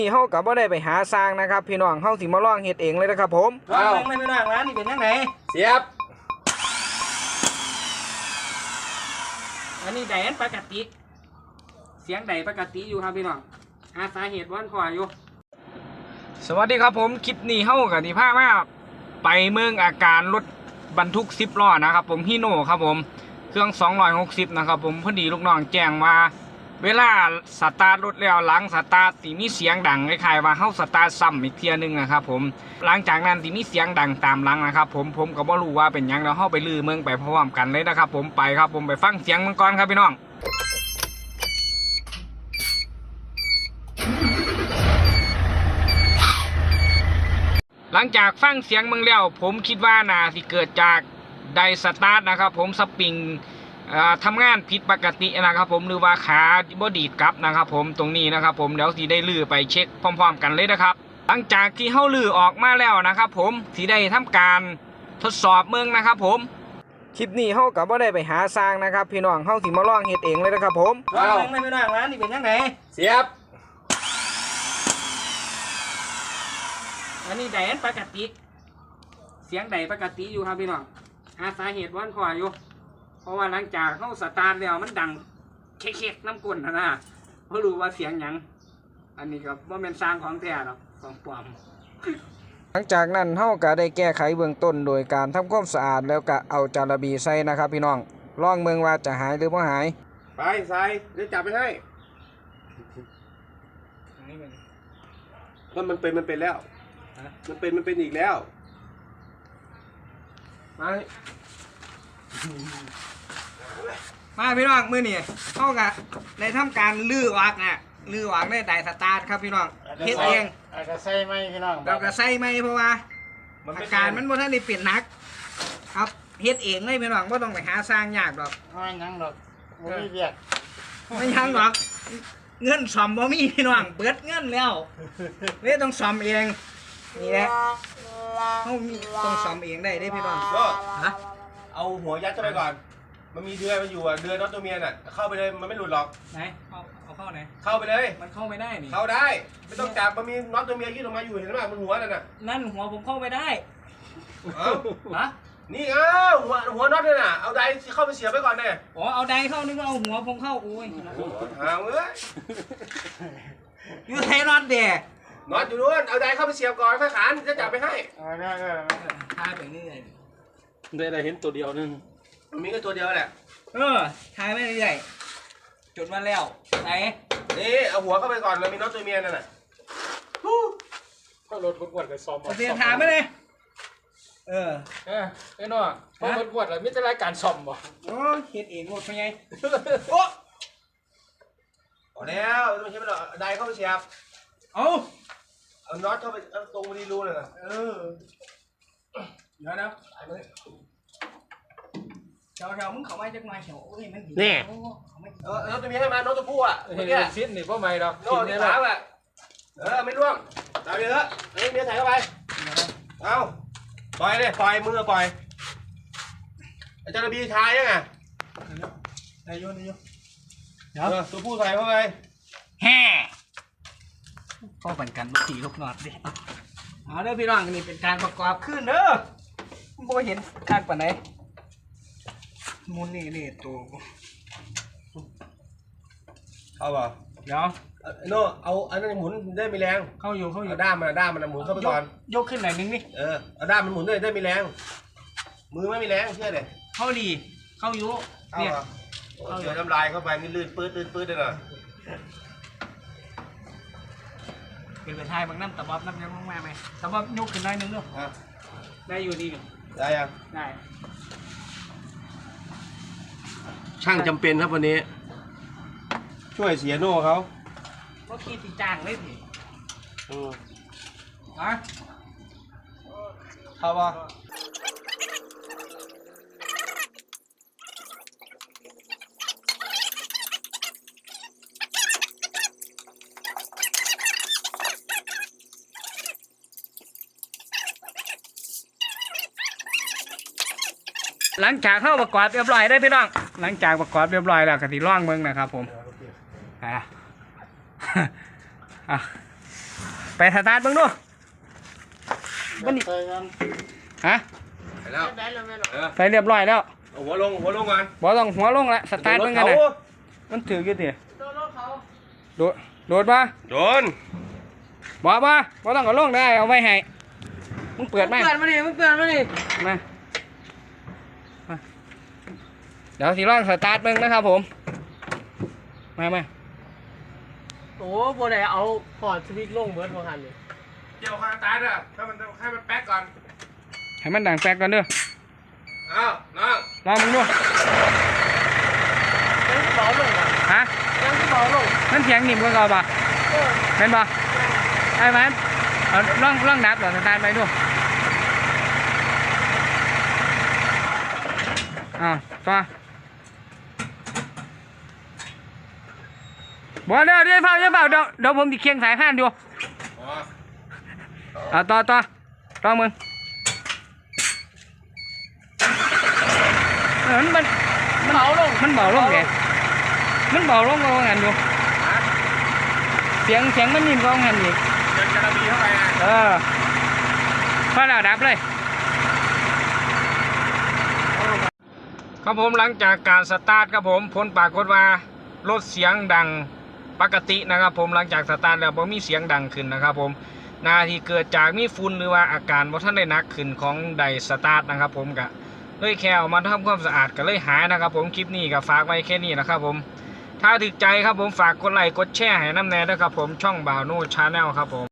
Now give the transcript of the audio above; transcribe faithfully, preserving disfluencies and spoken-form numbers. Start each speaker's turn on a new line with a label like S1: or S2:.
S1: นี่เฮากับบ่ได้ไปหาสร้างนะครับพี่น้องเฮาสิมาลองเฮ็ดเองเลยนะครับผมลองเบิ่งเลยพี่น้องร้านนี่เป็นยังไง
S2: เสียบ
S1: อันนี้ไดอันปกติเสียงไดปกติอยู่ครับพี่น้องหาสาเหตุวันพออยู่สวัสดีครับผมคลิปนี้เฮากับที่พามาไปเมืองอาการรถบรรทุกสิบล้อนะครับผมฮีโน่ครับผมเครื่องสองร้อยหกสิบนะครับผมพอดีลูกน้องแจ้งมาเวลาสตาร์ทรถแล้วหลังสตาร์ทที่มีเสียงดังคล้ายๆว่าเฮาสตาร์ทซ้ำอีกเทียนึงนะครับผมหลังจากนั้นที่มีเสียงดังตามหลังนะครับผมผมก็บ่รู้ว่าเป็นหยังแล้วเฮาไปลือเมืองไปพร้อมกันเลยนะครับผมไปครับผมไปฟังเสียงมันก่อนครับพี่น้องหลังจากฟังเสียงมึงแล้วผมคิดว่าน่าสิเกิดจากไดสตาร์ทนะครับผมสปริงทำงานผิดปกตินะครับผมหรือว่าขาบอดีดกลับนะครับผมตรงนี้นะครับผมเดี๋ยวสีได้ลื้อไปเช็คพร้อมๆกันเลยนะครับหลังจากที่เฮ้าลื้อออกมาแล้วนะครับผมสีได้ทำการทดสอบเมืองนะครับผมคลิปนี้เฮ้ากับว่าได้ไปหาสร้างนะครับพี่น้องเฮ้าสิมาลองเฮ็ดเองเลยนะครับผมลองเมืองเลยพี่น้องร้านนี่เป็นยังไง
S2: เสียบ
S1: อันนี้ไดอันปกติเสียงไดปกติอยู่ครับพี่น้องหาสาเหตุวันพออยู่เพราะว่าหลังจากเข้าสตาร์ทแล้วมันดังเค็กๆน้ำก้นนะเพราะรู้ว่าเสียงหยังอันนี้ก็ว่าเป็นสร้างของแท้หรอกของปลอมหลังจากนั้นเฮาก็ได้แก้ไขเบื้องต้นโดยการทำความสะอาดแล้วก็เอาจาระบีใส่นะครับพี่น้องลองเมืองว่าจะหายหรือไม่หาย
S2: ไปใส่เดี๋ยวจับไปให้ก็มันเป็นมันเป็นแล้วมันเป็นมันเป็นอีกแล้วไป
S1: มาพี่น้องมือนี่เข้ากับในทำการลื้อวักน่ะลื้อวักได้ไดสตาร์ทครับพี่น้องเฮ็ดเอง
S3: อาจจะใส่ไหมพี่น้อง
S1: เราก็ใส่ไหมเพราะว่าอาการมันบ่ทันได้เปลี่ยนนักครับเฮ็ดเองเลยพี่น้องบ่ต้องไปหาสร้างยากหรอก
S3: ไม่ยังหรอกไม่มีเบียด
S1: ไม่ยังหรอกเงินซ่อมบ่มีพี่น้องเปิดเงินแล้วเลยต้องซ่อมเองนี่แหละเขามีต้องซ่อมเองได้เด้พี่น้อง
S2: ก็ฮะเอาหัวยัดเข้าไปก่อนมันมีเดือยมันอยู่อ่ะเดือยน็อตตัวเมียน่ะเข้าไปเลยมันไม่หลุดหรอก
S1: ไหนเอาเอาเข้าไหน
S2: เข้าไปเลย
S1: มันเข้าไม่ได้นี่
S2: เข้าได้ไม่ต้องจับมันมีน็อตตัวเมียยื่นออกมาอยู่เห็นไหมมันหัวนั่นน่ะ
S1: นั่นหัวผมเข้าไม่ได้
S2: เอ้า
S1: ฮะ
S2: นี่เอ้าหัวหัวน็อตเนี่ยน่ะเอาไดเข้าไปเสียบไปก่อนเนี่ย
S1: อ๋อเอาไดเข้านึกว่าเอาหัวผมเข้าโอ้ย
S2: หางเอ้ย
S1: อยู่ไทยน็อตเด็ก
S2: น็อตอยู่นู้นเอาไดเข้าไปเสียบก่อนค่อยขานจะจับไปให้
S3: เอาได้ได้
S1: ทายไปนี่เลย
S3: ได้ได้เห็นตัวเดียวนึง
S2: มันมีแค่ตัวเดียวแหละ
S1: เออทายไม่ได้จุดมาแล้วไหน
S2: นี่เอาหัวเข้าไปก่อนเลยมีน็อตตัวเมียนั่นน่ะ
S3: ก็รถกวดๆไปซ้อม
S1: เอาเสียทายไม่เลยเออ
S3: เออไอ้น้อพอรถกวดเลยไม่ใช่รายการซ่อมบ่
S1: โอ้เฮ็ดเองหมดเป็นไง
S2: โอ้เอาแล้วไม่ใช่ไม่หรอกไดเข้าไปเสียบ
S1: เอา
S2: เอาน็อตเข้าไปตรงบริรูเลยนะ
S1: เออเดี๋ยวนะเดี๋ยวเดี๋ยวมึงเข้ามาจากมาเฉียวโอ้ยมันดี
S2: นี่เออน็อตตัวนี้ให้มาน็อตตัวผู้อ่ะ
S3: เห็นชิ้นนี่เพราะไม่หรอก
S2: น็อตที่สามอ่ะเออไม่ร่วงตามเยอะเฮ้ยเมียใส่เข้าไปเอาปล่อยเลยปล่อยมือปล่อยอาจารย์บีชายยังไง
S1: นายโยนายโย
S2: เดี๋ยวตัวผู้ใส่เข้าไป
S1: แฮ่ก็เป็นการบุกตีลูกนอดดิเอาเด้อพี่น้องนี่เป็นการประกอบขึ้นเด้อโบเห็นการปะไหนมุนนี่นี่ตัว
S2: เข้าป่ะ
S1: เดี๋ยว
S2: โน่เอาอันนั้นหมุนได้มีแรง
S1: เข้าอยู่เข้าอยู่
S2: ด้ามมันด้ามมันหมุนเข้าไปก่อน
S1: ยกขึ้นหน่อยนึงนี่
S2: เออเอาด้ามมันหมุนได้ได้มีแรงมือไม่มีแรงเชื่อเลย
S1: เข้าดีเข้าอยู่
S2: เนี่ยเดี๋ยวน้ำลายเข้าไปนี่ลื่นปื๊ดลื่นปื๊ดเลยนะ
S1: เป็นไปทายบางน้ำตะบอบน้ำยังมากไหมตะบอบยกขึ้นหน่อยนึงด้วยได้อยู่ดี
S2: ได้ยัง
S1: ได้
S2: ช่างจำเป็นครับวันนี้ช่วยเสียโน่เขา
S1: ก็ขี้ตีจางเลยสิ
S2: อืม
S1: ฮะ
S2: เข้าป่ะ
S1: หลังจากเข้าประกอบเรียบร้อยได้พี่น้องหลังจากประกอบเรียบร้อยแล้วกติร่องเมืองนะครับผมอ่ะอ่ะไปสตาร์ทเบิ่งดูมันนี่
S3: ไปกัน
S1: ฮะ
S2: ไปแล้ว
S3: ได้แล้วแม่หรอ
S2: เออ
S1: ไปเรียบร้อยแล้ว
S2: เอาหัวลงหัวลงก่อน
S1: บ่ต้องหัวลงละสตาร์ทเบิ่งกัน
S2: โด
S1: นะ
S2: นรถ
S1: มันถืออยู่ติ
S3: โดนรถเขา
S1: โดดโดดมา
S2: โดน
S1: บ่บ่บ่ต้องเอาลงได้เอาไว้ให้มึงเปิดไหม
S3: เปิดมาดิมึงเปิดมาดิ
S1: มามาเดี๋ยวสิลองสตาร์ทเบิ่งนะครับผมมามา
S3: โอ้โบได้เอาพอร์ตสวิตช์ลงเบิร์ดพอหันเลย
S2: เกี่ยวคางตายด้วยให้มันให้มันแป๊กก่อน
S1: ให้มันดังแฟกก่อนเด้อ
S2: อ้าวน้อง
S1: ลองมึงดู
S3: ยังที่เบาลงอ่ะ
S1: ฮะ
S3: ยังที่เบาลง
S1: มันเสียงนิ่มกว่าเก่าป่ะ
S3: เออ
S1: เป็นป่ะไอ้มันเอาลองลองดับเหรอสตาร์ทไปดูอ้าวต่อบ่เดี๋ยวเดี๋ยวเฝ้าเดี๋ยวเฝ้าเดี๋ยวเดี๋ยวผมติเคียงสายพานดู
S2: อ๋อ
S1: เอาต่อต่อต่อมึงเออมัน
S3: เบาลง
S1: มันเบาลงไงมันเบาลงกว่างั้นอยู่เสียงเสียงมันนิ่มกว่างั้นอีก
S2: เดินกระบี่เข้าไปนะ
S1: เออพอแล้วดับเลยครับผมหลังจากการสตาร์ทครับผมผลปรากฏว่ารถเสียงดังปกตินะครับผมหลังจากสตาร์ทแล้วบ่มีเสียงดังขึ้นนะครับผมนาที่เกิดจากมีฝุ่นหรือว่าอาการบ่ทันได้หนักขึ้นของไดสตาร์ทนะครับผมก็เลยแค่เอามาทำความสะอาดก็เลยหายนะครับผมคลิปนี้ก็ฝากไว้แค่นี้นะครับผมถ้าถูกใจครับผมฝากกดไลค์กดแชร์ให้น้ำแน่ด้วยครับผมช่องบ่าวโน้ชาแนลครับผม